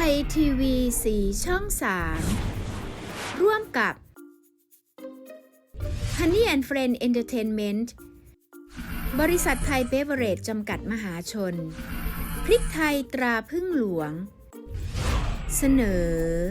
ยทีวี4ช่อง 3ร่วมกับ Honey and Friend Entertainment บริษัทไทยเบเวอเรจจำกัดมหาชนพริกไทยตราพึ่งหลวงเสนอ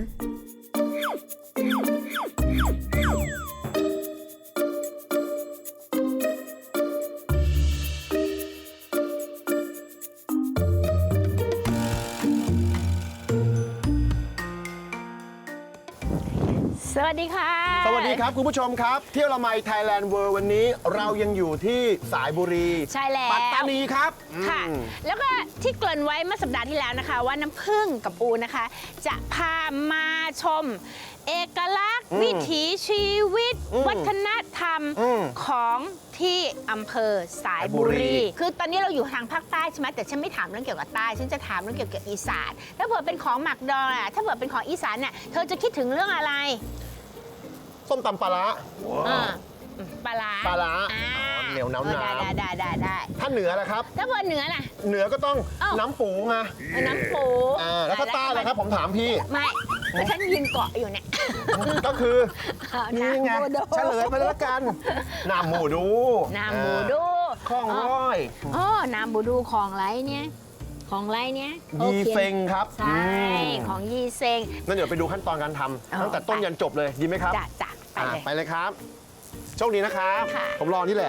สวัสดีค่ะสวัสดีครับคุณผู้ชมครับเที่ยวละไมไทยแลนด์เวิลด์วันนี้เรายังอยู่ที่สายบุรีใช่แล้วปัตตานีครับค่ะแล้วก็ที่เกริ่นไว้เมื่อสัปดาห์ที่แล้วนะคะว่าน้ำผึ้งกับปูนะคะจะพามาชมเอกลักษณ์วิถีชีวิตวัฒนธรรมของที่อำเภอสายบุรีคือตอนนี้เราอยู่ทางภาคใต้ใช่ไหมแต่ฉันไม่ถามเรื่องเกี่ยวกับใต้ฉันจะถามเรื่องเกี่ยวกับอีสานถ้าเผื่อเป็นของหมักดองถ้าเผื่อเป็นของอีสานเนี่ยเธอจะคิดถึงเรื่องอะไรส้มตำปลาร้าปลาร้าเหนียวน้ำได้ถ้าเหนือล่ะครับถ้าเผื่อเหนือล่ะเหนือก็ต้องน้ำปูไงน้ำปูแล้วถ้าใต้ล่ะครับผมถามพี่ไม่แล้วฉันยืนเกาะอยู่เนี่ยก็คือนี่ไงเฉลยไปแล้วกันน้ำหมูดูของร้อยน้ำหมูดูของไรเนี่ยยีเซ็งครับใช่ของยีเซ็งงั้นเดี๋ยวไปดูขั้นตอนการทำตั้งแต่ต้นยันจบเลยดีไหมครับจ้ะไปเลยครับโชคดีนะครับผมรอนี่แหละ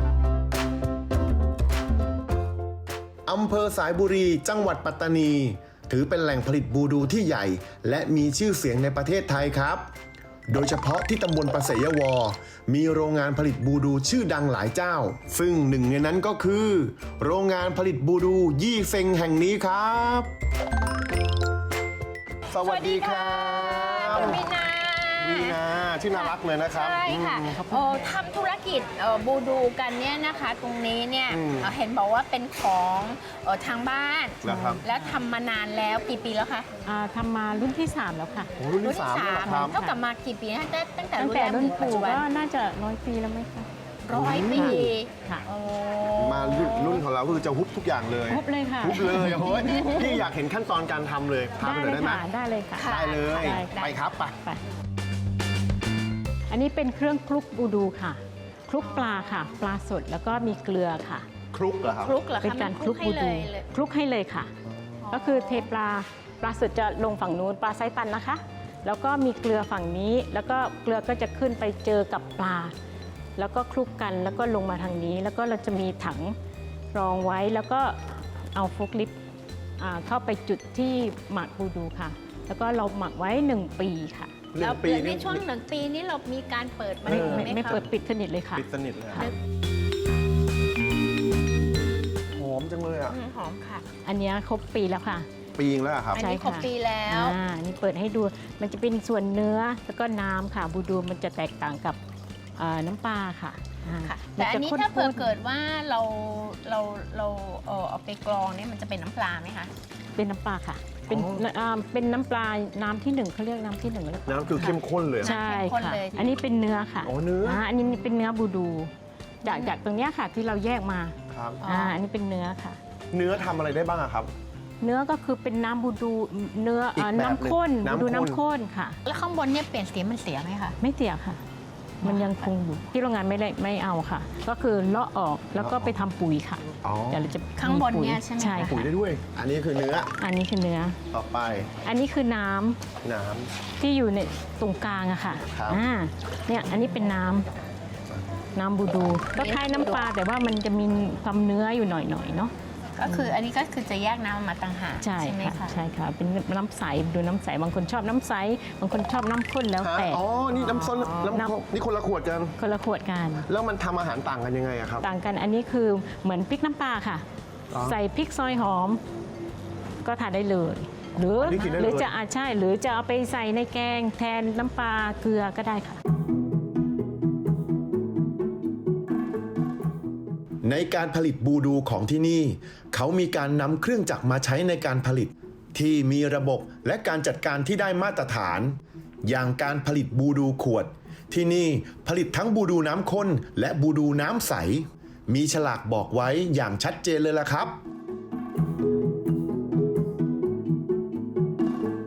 อำเภอสายบุรีจังหวัดปัตตานีถือเป็นแหล่งผลิตบูดูที่ใหญ่และมีชื่อเสียงในประเทศไทยครับโดยเฉพาะที่ตำบลประเสยวอมีโรงงานผลิตบูดูชื่อดังหลายเจ้าซึ่งหนึ่งในนั้นก็คือโรงงานผลิตบูดูยี่เซ็งแห่งนี้ครับสวัสดีครับคุณมีนาชื่อน่ารักเลยนะครับใช่ค่ะทำธุรกิจบูดูกันเนี่ยนะคะตรงนี้เนี่ยเห็นบอกว่าเป็นของทางบ้านแล้วทำมานานแล้วกี่ปีแล้วคะทำมารุ่นที่ 3แล้วค่ะรุ่นที่ 3 เท่ากับมากี่ปีนะตั้งแต่รุ่นปู่ก็น่าจะ100 ปีแล้วไหมคะ 100 ปีค่ะมารุ่นของเราคือจะฮุบทุกอย่างเลยฮุบเลยค่ะฮุบเลยโอ้ยพี่อยากเห็นขั้นตอนการทำเลยพาไปหน่อยได้ไหมได้เลยค่ะได้เลยไปครับไปอันนี้เป็นเครื่องคลุกบูดูค่ะคลุกปลาค่ะปลาสดแล้วก็มีเกลือค่ะคลุกเหรอครับเป็นการคลุกบูดูคลุกให้เลยค่ะก็คือเทปลาสดจะลงฝั่งนู้นปลาไซตันนะคะแล้วก็มีเกลือฝั่งนี้แล้วก็เกลือก็จะขึ้นไปเจอกับปลาแล้วก็คลุกกันแล้วก็ลงมาทางนี้แล้วก็เราจะมีถังรองไว้แล้วก็เอาโฟล์คลิฟต์เข้าไปจุดที่หมักบูดูค่ะแล้วก็เราหมักไว้1 ปีค่ะแล้วในช่วง1 ปีนี้เรามีการเปิดมันไม่เปิดปิดสนิทเลยค่ะปิดสนิทเลยหอมจังเลยอ่ะหอมค่ะอันนี้ครบปีแล้วค่ะปีแล้วครับอันนี้ครบปีแล้วนี่เปิดให้ดูมันจะเป็นส่วนเนื้อแล้วก็น้ำค่ะบูดูมันจะแตกต่างกับน้ำปลาค่ะแต่อันนี้ถ้าเกิดว่าเราเอาไปกรองเนี่ยมันจะเป็นน้ำปลาไหมคะเป็นน้ำปลาค่ะเป็นน้ำปลาน้ำที่1เขาเรียกน้ำที่1แล้วน้ำคือเข้มข้นเลยใช่ค่ะอันนี้เป็นเนื้อค่ะเนื้ออันนี้เป็นเนื้อบูดูจากตรงนี้ค่ะที่เราแยกมาครับอันนี้เป็นเนื้อค่ะเนื้อทำอะไรได้บ้างครับเนื้อก็คือเป็นน้ำบูดูเนื้อน้ำข้นบูดูน้ำข้นค่ะแล้วข้างบนเนี่ยเปลี่ยนสีมันเสียไหมคะไม่เสียค่ะมันยังคงอยู่ที่โรงงานไม่เอาค่ะก็คือเลาะออกแล้วก็ไปทำปุ๋ยค่ะเดี๋ยวเราจะข้างบนเนี่ยใช่ไหมใช่ปุ๋ยได้ด้วยอันนี้คือเนื้อต่อไปอันนี้คือน้ำที่อยู่ในตรงกลางอะค่ะเนี่ยอันนี้เป็นน้ำบูดูก็คล้ายน้ำปลาแต่ว่ามันจะมีความเนื้ออยู่หน่อยเนาะก็คืออันนี้ก็คือจะแยกน้ำมาต่างหากใช่ไหมคะใช่ค่ะเป็นน้ำใสดูน้ำใสบางคนชอบน้ำใสบางคนชอบน้ำข้นแล้วแต่นี่น้ำส้มนี่คนละขวดกันแล้วมันทำอาหารต่างกันยังไงครับต่างกันอันนี้คือเหมือนพริกน้ำปลาค่ะใส่พริกซอยหอมก็ทานได้เลยหรือจะใช่หรือจะเอาไปใส่ในแกงแทนน้ำปลาเกลือก็ได้ค่ะในการผลิตบูดูของที่นี่เขามีการนำเครื่องจักรมาใช้ในการผลิตที่มีระบบและการจัดการที่ได้มาตรฐานอย่างการผลิตบูดูขวดที่นี่ผลิตทั้งบูดูน้ำข้นและบูดูน้ำใสมีฉลากบอกไว้อย่างชัดเจนเลยล่ะครับ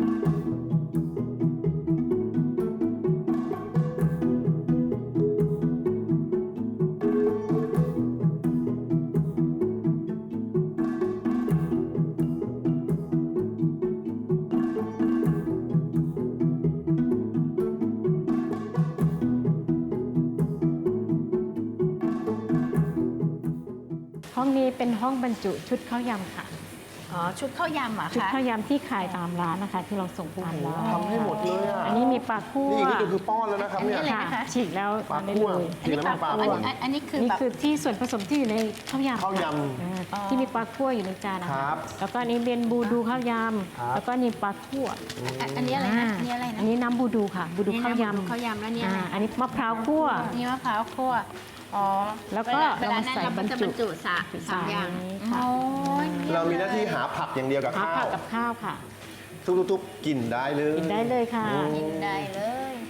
ห้องนี้เป็นห้องบรรจุชุดข้าวยำค่ะอ๋อ ชุดข้าวยำเหรอชุดคะข้าวยำที่ขายตามร้านนะคะ ที่เราส่งตามร้านทำให้หมดเลยอ่ะอันนี้มีปลาคั่วนี่คือป้อนแล้วนะครับเนี่ยอันนี้อะไรค่ะฉีกแล้วปลาได้คั่วเลยกินแล้วปลาคั่วอันนี้คือนี่แบบคือที่ส่วนผสมที่อยู่ในข้าวยำข้าวยำที่มีปลาคั่วอยู่ในจานนะคคะรับแล้วก็อันนี้เป็นบูดูข้าวยครับำแล้วก็นี่ปลาคั่วอันนี้อะไรนะ อันนี้อะไรนะอันนี้น้ำบูดูค่ะ บูดูข้าวยำข้าวยำแล้วเนี่ยอะไรอันนี้มะพร้าวคั่วนี่มะพร้าวคั่ว อ๋อแล้วก็เวลานั้นเราเรามาจะใส่บรรจุสามอย่างค่ะโอ้ยเรามีหน้าที่หาผักอย่างเดียวกับหาข้าผัวกกับข้าวค่ะทุบๆๆกินได้เลยกินได้เลยค่ะกินได้เลย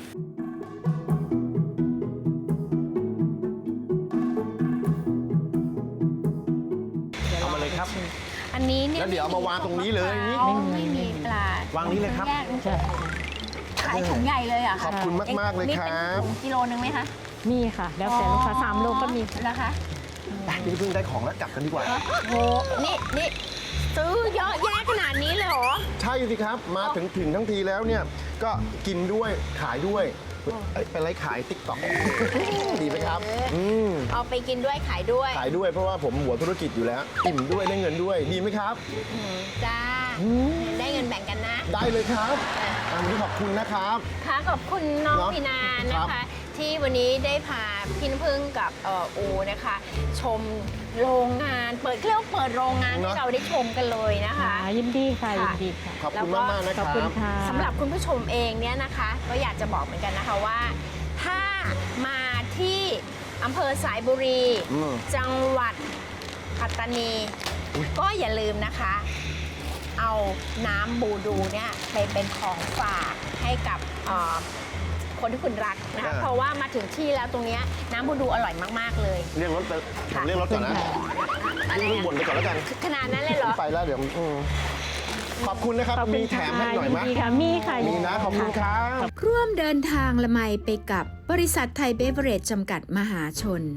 เอามาเลยครับอันนี้เนี่ยแล้วเดี๋ยวเอามาวางตรงนี้เลยนี่ไม่มีปลาวางนี้เลยครับแยกใช่ขายถุงใหญ่เลยเหรอ่ะขอบคุณมากๆเลยครับนี่เป็นถุงกิโลนึงไหมคะมีค่ะ แล้วแต่ลูกค้า3 โลก็มีแล้วคะพี่เพิ่งได้ของแล้วกลับกันดีกว่าโห นี่ซื้อเยอะแยะขนาดนี้เลยเหรอใช่สิครับ มาถึงทั้งทีแล้วเนี่ย ก็กินด้วยขายด้วยเป็นไรขายติ๊กต็อก ดีไหมครับ มเอาไปกินด้วยขายด้วยขายด้วยเพราะว่าผมหัวธุรกิจอยู่แล้ว อิ่มด้วยได้เงินด้วย ดีไหมครับจ้า ได้เงินแบ่งกันนะได้เลยครับอันนี้ขอบคุณนะครับค่ะขอบคุณน้องเนาะพีนาคนะรับคะ ที่วันนี้ได้พาพี่น้ำพึ่งกับอูนะคะ ชมโรงงานเปิดโรงงานให้เราได้ชมกันเลยนะคะยินดีค่ะ ยิค่ะนดีค่ะขอบคุณมากๆนะคขรัอบบคุณค่ะสำหรับคุณผู้ชมเองเนี่ยนะคะ ก็อยากจะบอกเหมือนกันนะคะว่า ถ้ามาที่อำเภอสายบุรี จังหวัดปัตตานี ก็อย่าลืมนะคะ เอาน้ำบูดูเนี่ยไปเป็นของฝากให้กับคนที่คุณรักนะคะ เพราะว่ามาถึงที่แล้วตรงเนี้ยน้ำบูดูอร่อยมากๆเลยเรียกรถไปผมเรียกรถก่อนนะอะไรเรื่องบ่นไปก่อนแล้วกันขนาดนั้นเลยเหรอไปแล้วเดี๋ยวขอบคุณนะครับขอบคุณมีแถมให้หน่อยไหมยินดีค่ะ มีค่ะมีนะ ขอบคุณครับร่วมเดินทางละไมไปกับบริษัทไทยเบเวอเรจจำกัดมหาชน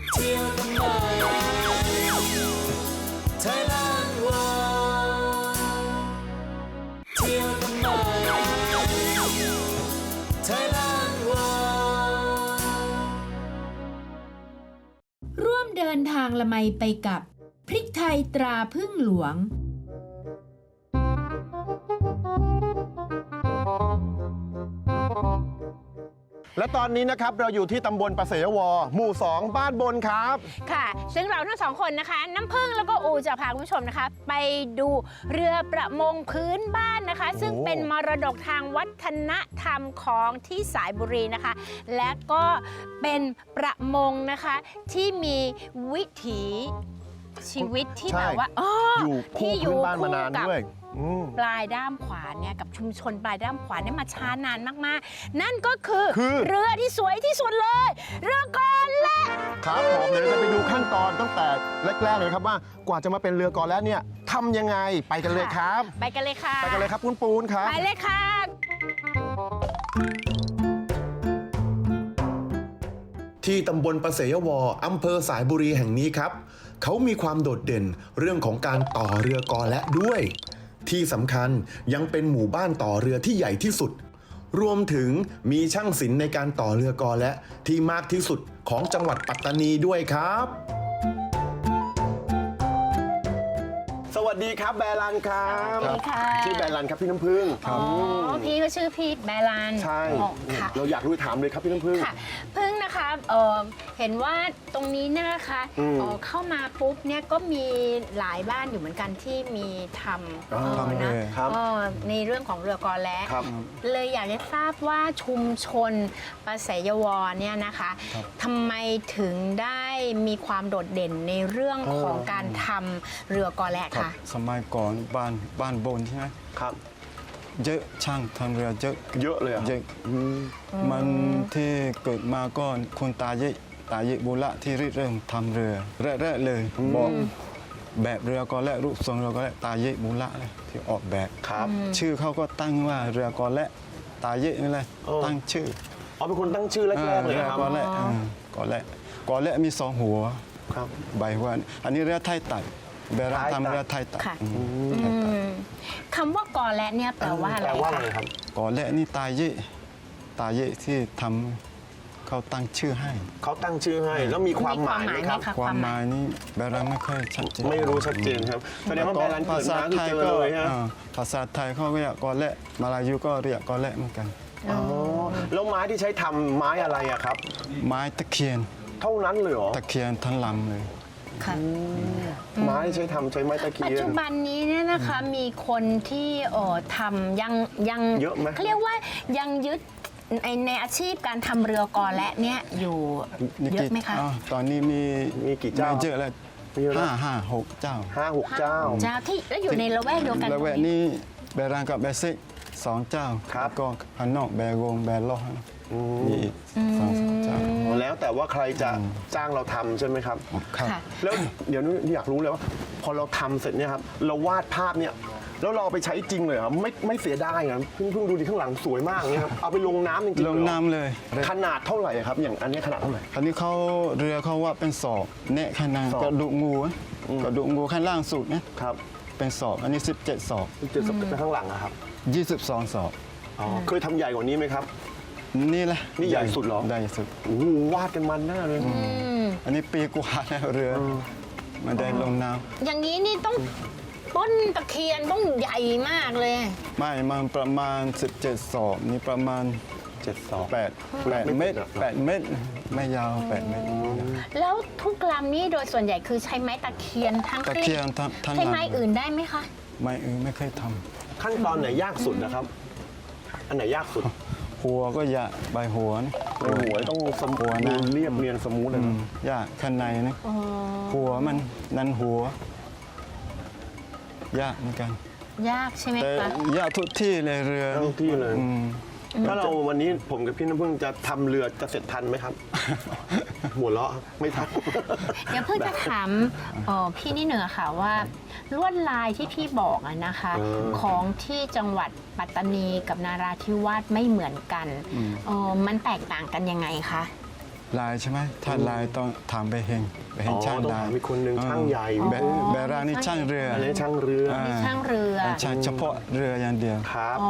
ร่วมเดินทางละไมไปกับพริกไทยตราพึ่งหลวงและตอนนี้นะครับเราอยู่ที่ตำบลประเสยวหมู่ 2 บ้านบนครับค่ะ ซึ่งเราทั้งสองคนนะคะ น้ำพึ่งแล้วก็อูจะพาคุณผู้ชมนะคะ ไปดูเรือประมงพื้นบ้านนะคะ ซึ่งเป็นมรดกทางวัฒนธรรมของที่สายบุรีนะคะ และก็เป็นประมงนะคะที่มีวิถีชีวิตที่ใช่แบบว่าอยู่คู่ที่พื้นบ้านมานานกับด้วยปลายด้ามขวานเนี่ยกับชุมชนปลายด้ามขวานเนี่ยมาช้านานมากๆ นั่นก็คือ เรือที่สวยที่สุดเลย เรือกอและครับผมเดี๋ยวจะไปดูขั้นตอนตั้งแต่แรกๆเลยครับว่ากว่าจะมาเป็นเรือกอแล้วเนี่ยทำยังไงไปกันเลยครับไปกันเลยค่ะไปกันเลยครับปูนครับไปเลยค่ะที่ตำบลประเสยวอำเภอสายบุรีแห่งนี้ครับ เขามีความโดดเด่นเรื่องของการต่อเรือกอและด้วย ที่สำคัญยังเป็นหมู่บ้านต่อเรือที่ใหญ่ที่สุด รวมถึงมีช่างศิลป์ในการต่อเรือกอและที่มากที่สุดของจังหวัดปัตตานีด้วยครับสวัสดีครับแบรันครับสวัสดีค่ะชื่อแบรันครับพี่น้ำพึ่งอ๋อพี่ก็ชื่อพี่แบรันใช่อ๋อค่ะเราอยากรู้ถามเลยครับพี่น้ำพึ่งค่ะพึ่งนะคะเห็นว่าตรงนี้เนี่ยนะคะเข้ามาปุ๊บเนี่ยก็มีหลายบ้านอยู่เหมือนกันที่มีทำทำนะครับ ในเรื่องของเรือกอและครับเลยอยากจะทราบว่าชุมชนประเสยวเนี่ยนะคะทำไมถึงได้มีความโดดเด่นในเรื่องของการทำเรือกอและครับคะสมัยก่อนบ้านบนใช่ไหมครับเยอะช่างทำเรือเยอะเยอะเลยเหรอเยอะมันที่เกิดมาก็คุณตาเยบุระที่ริเริ่มทำเรือแรกๆเลยบอกแบบเรือก็และรูปทรงเรือก็และตาเยบุระเลยที่ออกแบบครับชื่อเขาก็ตั้งว่าเรือก็และตาเยนี่แหละตั้งชื่ออ๋อเป็นคนตั้งชื่อแรกๆเลยเรือครับก็และก็และมี2 หัวครับใบหัวอันนี้เรือไทยตัดเบราทำเรือไทยตัดค่ะไทยตัดคำว่ากอและเนี่ยแปลว่าอะไรแปลว่าคะอะไรครับก่อนแรกนี่ตาเยที่ทเขาตั้งชื่อให้เขาตั้งชื่อให้แล้วมีความหมายไหมครับความหมายนี้แบรันไม่ค่อยชัดเจนไม่รู้ชัดเจนครับแสดงว่าแบรันเกิดมาคือเจอเลยฮะภาษาไทยเขาเรียกกอแระมาลายูก็เรียกกอแระเหมือนกันอ๋อแล้วไม้ที่ใช้ทำไม้อะไรอะครับไม้ตะเคียนเท่านั้นเลยเหรอตะเคียนทั้งลำเลยค่ะไม้ที่ใช้ทำใช้ไม้ตะเคีปัจยนจุบันนี้เนี่ยนะคะมีคนที่ทำยังเยอะไหมเขาเรียกว่ายังยึดในอาชีพการทำเรือกอและเนี่ยอยู่เยอะไหมคะตอนนี้มีกี่เจ้าไม่เยอะแล้วมีเยอะแล้ว 5-6 เจ้า 5-6 เจ้าเจ้าที่แล้วอยู่ในละแวกเดียวกันแล้วแวกนี้แบรันกับแบซิก2 เจ้าครับก็อันนอกแบโกงแบล็อกมีอีก2-3 เจ้าแล้วแต่ว่าใครจะจ้างเราทำใช่ไหมครับครับค่ะแล้วเดี๋ยวนี้อยากรู้เลยว่า พอเราทำเสร็จเนี่ยครับเราวาดภาพเนี่ยแล้วเราเอาไปใช้จริงเลยเหรอไม่เสียดายเหรอเพิ่งดูดิข้างหลังสวยมากเนี่ยครับเอาไปลงน้ำจริงๆลเหรองน้ำเลยขนาดเท่าไหร่ครับอย่างอันนี้ขนาดเท่าไหร่อันนี้เขาเรือเขาว่าเป็นศอกแนะข้างในศอกกระดูกงูอะกระดูกงูข้างล่างสุดนะครับ เป็นศอกอันนี้17 ศอกเจ็ดสิบข้างหลังอะครับ 22 ศอกเคยทำใหญ่กว่านี้ไหมครับนี่แหละนี่ใหญ่สุดเหรอใหญ่สุดโอ้โหวาดกันมันแน่เลยอันนี้ปีกว่าแล้วเรือไมันได้ลงน้อย่างนี้นี่ต้องต้นตะเคียนต้องใหญ่มากเลยำไม่มันประมาณ 17 ศอกนี่ประมาณ 7 ศอก 8 เมตร 8 เมตร ไม่ยาว 8 เมตรแล้วทุกลำนี้โดยส่วนใหญ่คือใช้ไม้ตะเคียนทั้งตะสิ้นเคียนทั้งใช้ลำไม้อื่นได้ไหมคะไม้อื่นไม่เคยทขั้นตอนไหนยากสุดนะครับ อันไหนยากสุดำหัวก็ยากใบหัวนะหัวต้องสมหัวนะเรียบเรียนสมูทเลยนะยากข้างในนะหัวมันนั่นหัว ยากเหมือนกันยากใช่ไหมแต่คะยากทุกที่เลยเรือทุกที่เลยอืมถ้าเราวันนี้ผมกับพี่น้ำพึ่งจะทำเรือจะเสร็จทันไหมครับ หัวเราะไม่ทันเดี๋ยวเพิ่งจะถามพี่นี่เหนือค่ะว่าลวดลายที่พี่บอกอะนะคะ ของที่จังหวัดปัตตานีกับนาราธิวาสไม่เหมือนกันมันแตกต่างกันยังไงคะลายใช่ไหมถ้าลายต้องถามไปเฮงช่างต้องลาถาย มอีกคนนึงช่างใหญ่แบรานี่ช่างเรืออันนี้ช่างเรือมีช่างเรือช่างเฉพาะเรืออย่างเดียวครับอ๋อ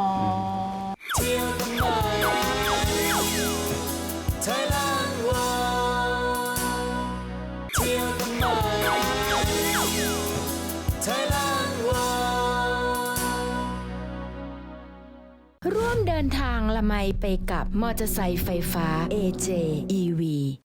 ร่วมเดินทางละไมไปกับมอเตอร์ไซค์ไฟฟ้า AJ EV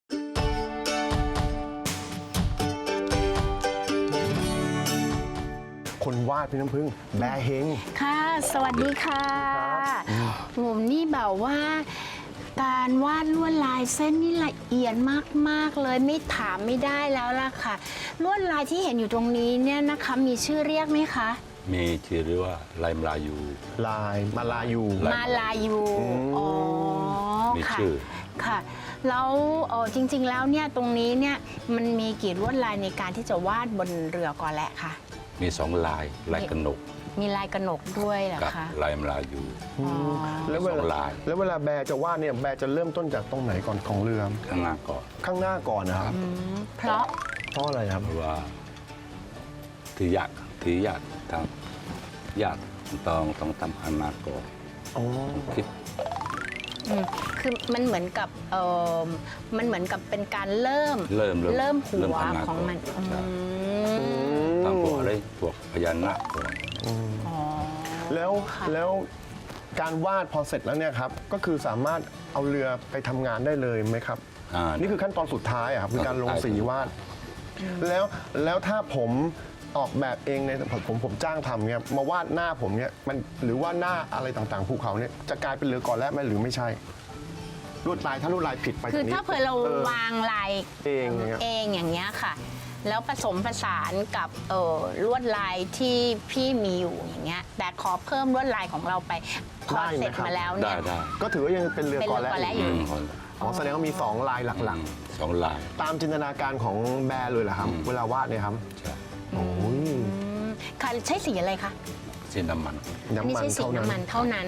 คนวาดพี่น้ำพึ่งแบร์เฮงค่ะ สวัสดีค่ะผมนี่แบบว่า การวาดลวดลายเส้นนี่ละเอียดมากๆเลยไม่ถามไม่ได้แล้วล่ะค่ะ ลวดลายที่เห็นอยู่ตรงนี้เนี่ยนะคะมีชื่อเรียกไหมคะมีชื่อเรียกว่าลายมลายูลายมาลายูมาลายูอ๋อมีค่ะชื่อค่ะ แล้วจริง ๆ แล้วเนี่ยตรงนี้เนี่ยมันมีกี่ลวดลายในการที่จะวาดบนเรือกอและคะมีสองลายกระหนกมีลายกระหนกด้วยเหรอกับคะลายมลายูอ๋อแล้วเวสองลาลายแล้วเวลาแบร์จะวาดเนี่ยแบร์จะเริ่มต้นจากตรงไหนก่อนของเรือข้างหน้าก่อนข้างหน้าก่อนนะครับเพราะเพราะอะไรครับเพราะว่าที่ยากทำยากต้องทำข้างหน้าก่อนอ๋อคิดคือมันเหมือนกับมันเหมือนกับเป็นการเริ่มเริ่มหัวข้างหน้าของมันก่อนใช่ทำพวกอะไรพวกพญานาคก่อนอ๋อแล้วค่ะแล้วการวาดพอเสร็จแล้วเนี่ยครับก็คือสามารถเอาเรือไปทำงานได้เลยไหมครับ นี่คือขั้นตอนสุดท้ายอะครับคือการลงสีวาด แล้วถ้าผมออกแบบเองในผมจ้างทำเนี่ยมาวาดหน้าผมเนี่ยมันหรือว่าหน้าอะไรต่างๆภูเขาเนี่ยจะกลายเป็นเรือก่อนแล้วไหมหรือไม่ใช่ลวดลายถ้าลวดลายผิดไปคือจกนี้ถ้าเผื่อเราวางลายเองอย่างเงี้ยเองอย่างเงี้ยค่ะ แล้วผสมผสานกับลวดลายที่พี่มีอยู่อย่างเงี้ยแต่ขอเพิ่มลวดลายของเราไปพอเสร็จมาแล้วได้เนี่ยได้ก็ถือว่ายังเป็นเรือก่อนแล้วเป็นเรือก่อนแล้ว อยู่อ๋อแสดงว่ามี2ลายหลักสองลายๆ ตามจินตนาการของแบร์เลยเหรอครับ เวลาวาดเนี่ยครับใช่โอ้ยค่ะใช้สีอะไรคะสีน้ำมันอันนี้น้ำมันใช้สีเท่านั้น้ำมันนเท่านั้น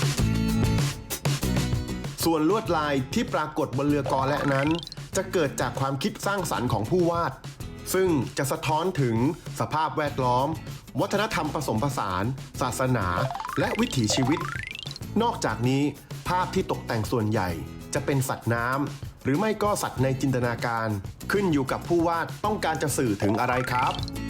ส่วนลวดลายที่ปรากฏบนเรือกอและนั้น จะเกิดจากความคิดสร้างสรรค์ของผู้วาด ซึ่งจะสะท้อนถึงสภาพแวดล้อม วัฒนธรรมผสมผสาน ศาสนา และวิถีชีวิต นอกจากนี้ภาพที่ตกแต่งส่วนใหญ่จะเป็นสัตว์น้หรือไม่ก็สัตว์ในจินตนาการ ขึ้นอยู่กับผู้วาดต้องการจะสื่อถึงอะไรครับ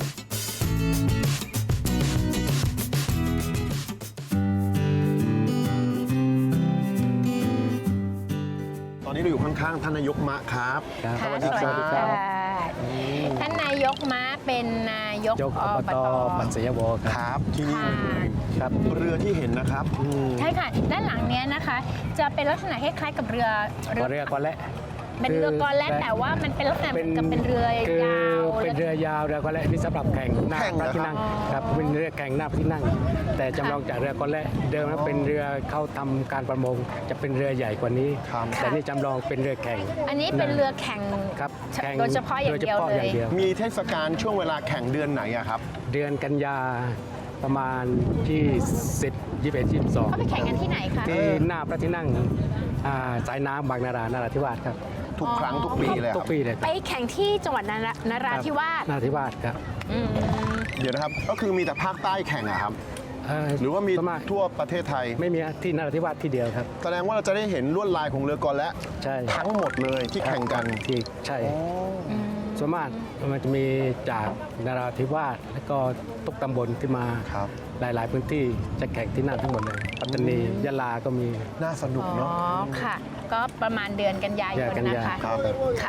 ตอนนี้เราอยู่ข้างๆท่านนายกมะครับค่ะสวัสดีครับท่านนายกม้าเป็นนายกอบตปัสยวคครับ รับที่นี่ครับเรือที่เห็นนะครับใช่ค่ะ ด้านหลังเนี้ยนะคะ จะเป็นลักษณะคล้ายๆกับเรือเรือก่อนและเป็นเรือกอแล่นแต่ว่ามันเป็นลักษณะเหมือนกับเป็นเรือยาวเป็นเรือยาวเรือก่อนและนี่สำหรับแข่งหน้าแข่งพเหรระอที่นั่งครับเป็นเรือแข่งหน้าพระที่นั่ง แต่จำลองจากเรือก่อนและเดิมนั้นเป็นเรือเข้าทำการประมงจะเป็นเรือใหญ่กว่านี้ครับแต่นี่จำลองเป็นเรือแข่งอันนี้เป็นเรือแข่งครับแข่งโดยเฉพาะอย่างเดียวโฉพะเลอย ย่างเดียวมีเทศกาลช่วงเวลาแข่งเดือนไหนอะครับเดือนกันยาประมาณที่10 21 22 เขาไปแข่งกันที่ไหนคะที่หน้าพระที่นั่งสายน้ำบางนารา นราธิวาสครับทุกครั้งทุกปีเลยคทุรักบปีเลยไปแข่งที่จังหวัดนราธิวาสนราธิวาสครับอืมเดี๋ยวนะครับ ก็คือมีแต่ภาคใต้แข่งอะครับ หรือว่ามีประณทั่วประเทศไทยไม่มีที่นราธิวาสที่เดียวครับแสดงว่าเราจะได้เห็นลวดลายของเรือกอและใช่ทั้งหมดเลยที่แข่งกันที่ใช่ส่วนมากมันจะมีจากนราธิวาสแล้วก็ทุกตำบลที่มาครับหลาย ๆ พื้นที่จะแข่งที่นั่นทั้งหมดเลยปัตตานียะลาก็มีน่าสนุกอ๋อเนาะค่ะ ก็ประมาณเดือนกันยายเดือนนกันนะยาคะครับค่ะ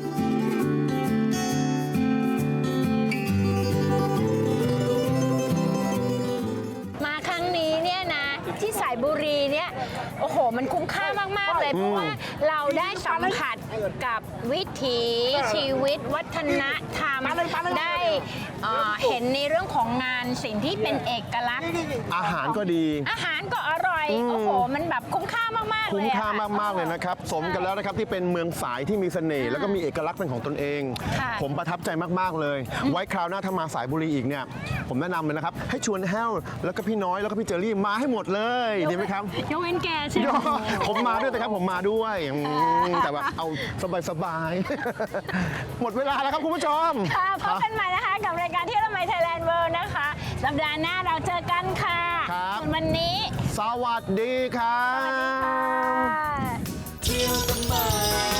มาครั้งนี้เนี่ยนะ ที่สายบุรีเนี่ยโอ้โห มันคุ้มค่ามาก ๆ เลย เพราะว่าเราได้สัมผัสกับวิถีชีวิต วัฒนธรรม ได้เห็นในเรื่องของงานสิ่งที่เป็นเอกลักษณ์อาหารก็ดีอาหารก็อร่อย โอ้โห มันแบบคุ้มค่ามาก ๆ เลยคุ้มค่าอะมาก ๆ เลยนะครับ สมกันแล้วนะครับที่เป็นเมืองสายที่มีเสน่ห์แล้วก็มีเอกลักษณ์เป็นของตนเองค่ะผมประทับใจมาก ๆ เลย ไว้คราวหน้าถ้ามาสายบุรีอีกเนี่ย ผมแนะนำเลยนะครับ ให้ชวนแห้วแล้วก็พี่น้อยแล้วก็พี่เจอรี่มาให้หมดเลยดีไหมครับยกเว้นแกใช่ไหมผมมาด้วยนะครับผมมาด้วยแต่แบบเอาสบายๆ หมดเวลาแล้วครับคุณผู้ชมค่ะพบกันใหม่นะคะกับรายการเที่ยวละไมไทยแลนด์เวิลด์นะคะ สัปดาห์หน้าเราเจอกันค่ะครับส่วนวันนี้สวัสดีครับค่ะเที่ยวทำไม